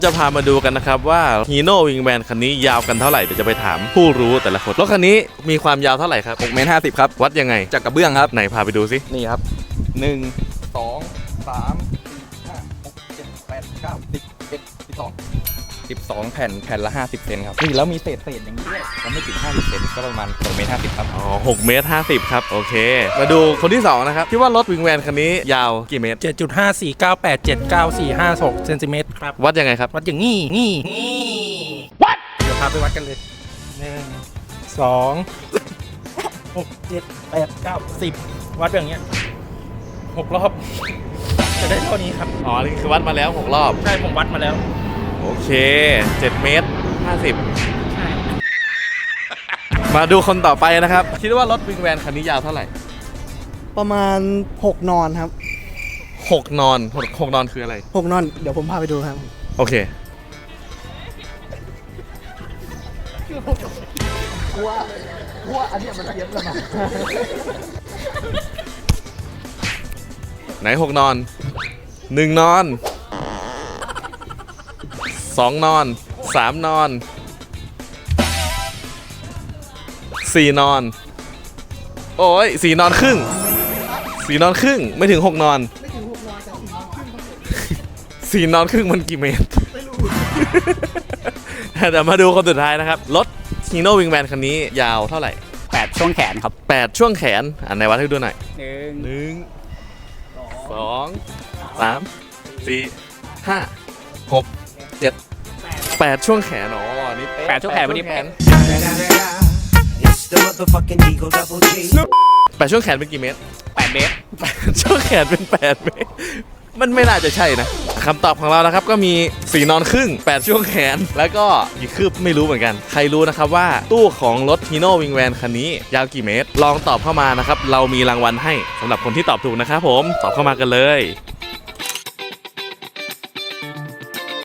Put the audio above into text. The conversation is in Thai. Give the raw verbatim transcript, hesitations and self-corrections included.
จะพามาดูกันนะครับว่าฮีโน่วิงแมนคันนี้ยาวกันเท่าไหร่เดี๋ยวจะไปถามผู้รู้แต่ละคนรถคันนี้มีความยาวเท่าไหร่ครับหกเมตรห้าสิบครับวัดยังไงจากกระเบื้องครับไหนพาไปดูสินี่ครับหนึ่งสองสามสี่ห้าหกเจ็ดแปดเก้าสิบเอ็ดสิบสองสิบสองแผ่นแผ่นละห้าสิบเซนครับนี่แล้วมีเศษเศษอย่างนี้ด้วยมันไม่ถึงห้าสิบเซนก็ประมาณหกเมตรห้าสิบครับอ๋อหกเมตรห้าสิบครับโอเคมาดูคนที่สองนะครับคิดว่ารถวิงแมนคันนี้ยาวกี่เมตรเจ็ดจุดห้าสี่เก้าแปดเจ็ดเก้าสี่ห้าหกเซนติเมตรครับวัดยังไงครับวัดอย่างงี้งี้งี้วัดเดี๋ยวพาไปวัดกันเลยหนึ่งสองหกเจ็ดแปดเก้าสิบวัดแบบเนี้ยหกรอบจะได้เท่านี้ครับอ๋อนี่คือวัดมาแล้วหกรอบใช่ผมวัดมาแล้วโอเคเจ็ดเมตรห้าสิบมาดูคนต่อไปนะครับคิดว่ารถวิงแมนคันนี้ยาวเท่าไหร่ประมาณหกนอนครับหกนอนหกหกนอนคืออะไรหกนอนเดี๋ยวผมพาไปดูครับโอเคว่าว่าอันนี้มันเทียบกันมาไหนหกนอนหนึ่งนอนสองนอนสามนอนสี่นอนโอ้ยสี่นอนครึ่งสี่นอนครึ่งไม่ถึงหกนอนไม่ถึงหกนอนแต่สี่นอนครึ่งสี่นอนครึ่งมันกี่เมตรไม่รู้เดี๋ยวมาดูคนสุดท้ายนะครับรถฮีโน่วิงแมนคันนี้ยาวเท่าไหร่แปดช่วงแขนครับแปดช่วงแขนอันไหนวัดให้ดูหน่อยหนึ่งหนึ่งสองสามสี่ห้าหกเจ็ดแปดช่วงแขนอ๋อนี่แปดช่วงแขนวันนี้แขนแปดช่วงแขนเป็นกี่เมตรแปดเมตรแปดช่วงแขนเป็นแปดเมตรมันไม่น่าจะใช่นะคำตอบของเรานะครับก็มีสี่นอนครึ่งแปดช่วงแขนแล้วก็กี่คืบไม่รู้เหมือนกันใครรู้นะครับว่าตู้ของรถฮีโน่วิงแวนคันนี้ยาวกี่เมตรลองตอบเข้ามานะครับเรามีรางวัลให้สำหรับคนที่ตอบถูกนะครับผมตอบเข้ามากันเลย